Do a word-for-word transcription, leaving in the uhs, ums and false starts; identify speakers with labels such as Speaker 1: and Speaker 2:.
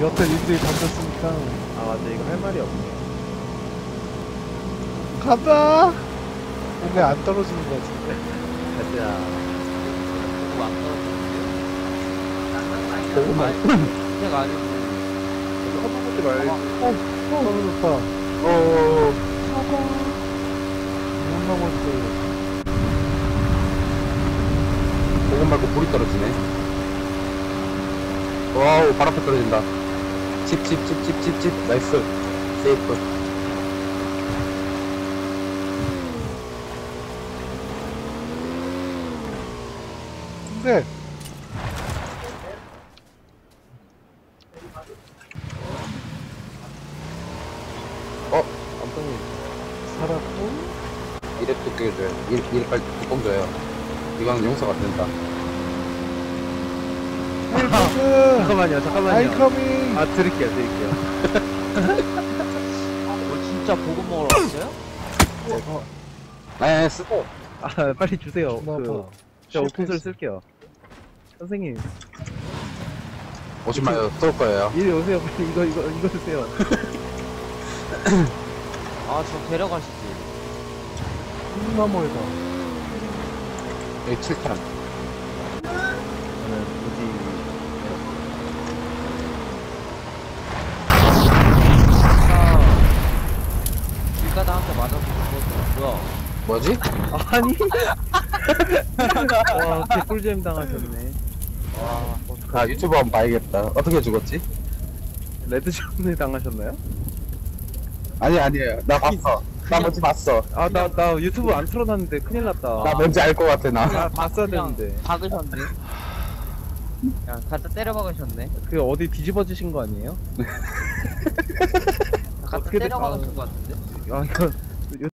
Speaker 1: 여태 님들이 던졌으니까.
Speaker 2: 아 맞아 이거 할 말이 없네.
Speaker 1: 간다. 근데 안 떨어지는 거 같은데.
Speaker 2: 가자.
Speaker 3: 보고 안 떨어지는데요?
Speaker 2: 보고만.
Speaker 3: 제가 아니고
Speaker 2: 커버보지 말고.
Speaker 1: 어, 떨어졌다.
Speaker 2: 어.
Speaker 1: 사과. 못 넘어졌어요.
Speaker 4: 보고 말고 불이 떨어지네. 와우, 발 앞에 떨어진다. 집, 집, 집, 집, 집, 집. 나이스. 세이프.
Speaker 1: 근데
Speaker 4: 어?
Speaker 2: 감독님.
Speaker 1: 살았고.
Speaker 4: 이랩 두께 줘요. 이랩, 이랩 빨리 뚜껑 줘요. 이건 용서가 된다.
Speaker 1: 헬프.
Speaker 2: 잠깐만요 잠깐만요.
Speaker 1: 아이커밍.
Speaker 2: 아 드릴게요 드릴게요.
Speaker 3: 뭐 진짜 보고 먹으러 왔어요?
Speaker 1: 어,
Speaker 4: 네, 쓰고.
Speaker 2: 아 빨리 주세요.
Speaker 1: 존나
Speaker 2: 그
Speaker 1: 아파.
Speaker 2: 제가 오픈소를 쓸게요. 선생님
Speaker 4: 오지 마요. 쏠 거예요.
Speaker 2: 이리 오세요. 빨리 이거 이거 이거 주세요.
Speaker 3: 아 저 데려가시지.
Speaker 1: 존나 멀다.
Speaker 4: 여기 칠 탄.
Speaker 2: 저는 굳이
Speaker 3: 길 가다 한 대 맞아서 죽었어. 뭐야?
Speaker 4: 뭐지?
Speaker 2: 아니. 와 개꿀잼 당하셨네. 와
Speaker 4: 아, 유튜브 한번 봐야겠다. 어떻게 죽었지?
Speaker 2: 레드존에 당하셨나요?
Speaker 4: 아니, 아니에요. 나 봤어. 나 뭔지 봤어.
Speaker 2: 아 나 나 유튜브 안 틀어놨는데 큰일 났다.
Speaker 4: 나 뭔지 알 것 같아, 나.
Speaker 2: 나 봤어야
Speaker 3: 그냥
Speaker 2: 되는데.
Speaker 3: 박으셨네. 그냥 갖다 때려 박으셨네.
Speaker 2: 그 어디 뒤집어지신 거 아니에요?
Speaker 3: 갖다
Speaker 2: 어떻게
Speaker 3: 때려
Speaker 2: 된-
Speaker 3: 박으신 것 같은데.
Speaker 2: 아 이거